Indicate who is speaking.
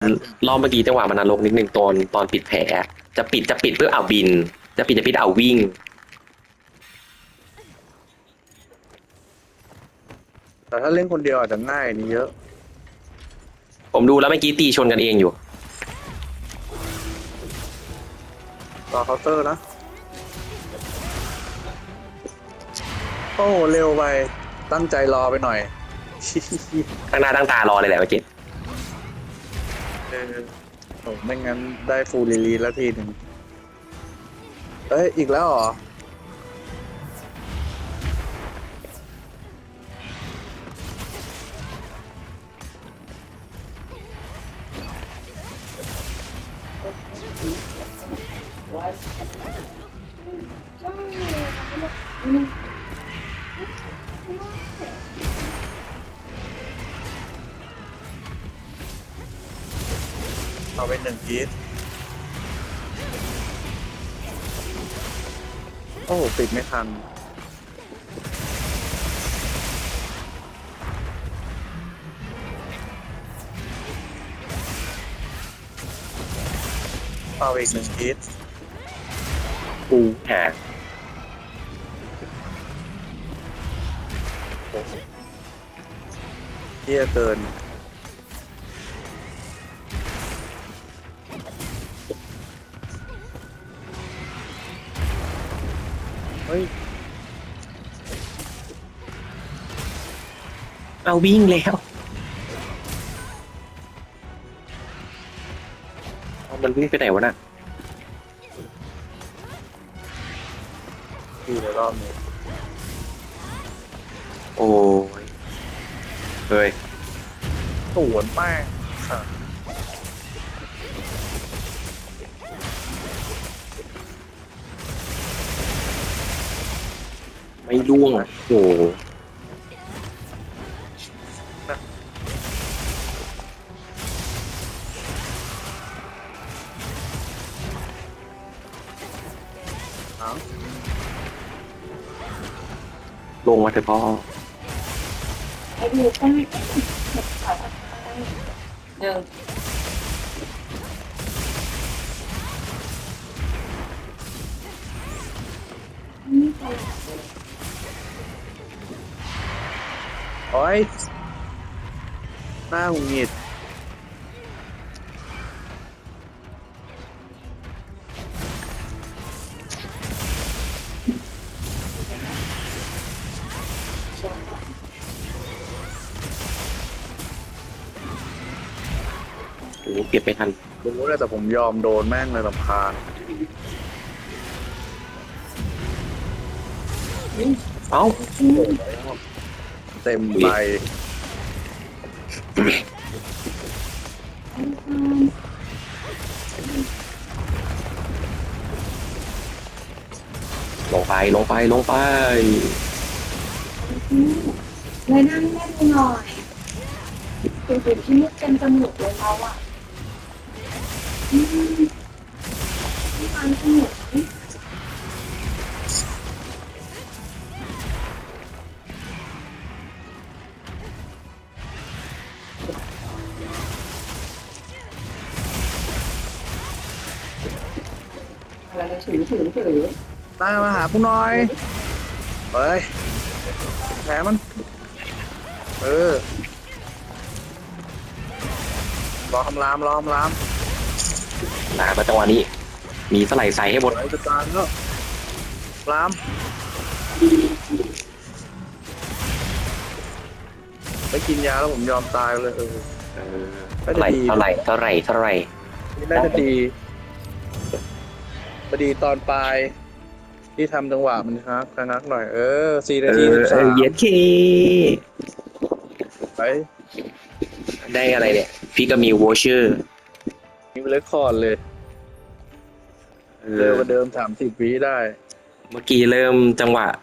Speaker 1: รอบเมื่อกี้จังหวะมันนรกนิดนึงตอนปิดแผลจะปิดเพื่อเอาบินจะปิดเอาวิ่ง
Speaker 2: แต่ถ้าเล่นคนเดียวอาจจะง่ายนี่เยอะ
Speaker 1: ผมดูแล้วเมื่อกี้ตีชนกันเองอยู่
Speaker 2: รอเคาน์เตอร์นะโอ้โหเร็วไปตั้งใจรอไปหน่อย
Speaker 1: ตั้งหน้าตั้งตารอเลยแหละเมื่อกี้
Speaker 2: เออโอ้ไม่งั้นได้ฟูลรีลีแล้วทีหนึ่งเอ้ยอีกแล้วเหรอเอาไปหนึ่งพีทโอ้โหปิดไม่ทันเอาอีกหนึ่งพีท
Speaker 1: กูหา
Speaker 2: เที่ยเกินเฮ้ย
Speaker 1: เอาวิ่งแล้วเอามันวิ่งไปไหนวะน่ะ
Speaker 2: ดีในรอบนี้
Speaker 1: โอ้ยเฮ้ย
Speaker 2: สวนแป้งค่ะ
Speaker 1: ไม่ร่วงโอ้
Speaker 2: เอา
Speaker 1: ลงมาเถอะพ่อ
Speaker 3: ไอ้ดูได้หนึ่งนี่ไป
Speaker 2: โอ้ยหน้าหงุดหงิด
Speaker 1: โอ้เก็บไม่ทัน
Speaker 2: รู้เลยแต่ผมยอมโดนแม่งเลยรำคาญ
Speaker 1: เอ้า
Speaker 2: เต็มใบ
Speaker 1: ลงไป
Speaker 3: เลยนั่งเล่นหน่อยเป็นจุดที่มุดเต็มจมูกเลยเราอ่ะที่มันสนุกอะไรถือ
Speaker 2: หน้ามาหาผู้น้อยเฮ้ยแผลมันเออรอคำราม
Speaker 1: ลามาจังหวะนี้ มีสไลด์ใส่ให้หมด
Speaker 2: ไหลจะตายแล้วรามไปกินยาแล้วผมยอมตายเลย
Speaker 1: เออเท่าไหร่
Speaker 2: นี่น่าจะดีพอดีตอนปลายที่ทำจังหวะมันครับชะงักหน่อย4 นาที 13
Speaker 1: เย็นเค
Speaker 2: ไป
Speaker 1: ได้อะไรเนี่ยฟิกามิววอเชอร์
Speaker 2: มีเรคคอร์ดเลยเร็วกว่าเดิม30 วิได้
Speaker 1: เมื่อกี้เริ่มจังหวะ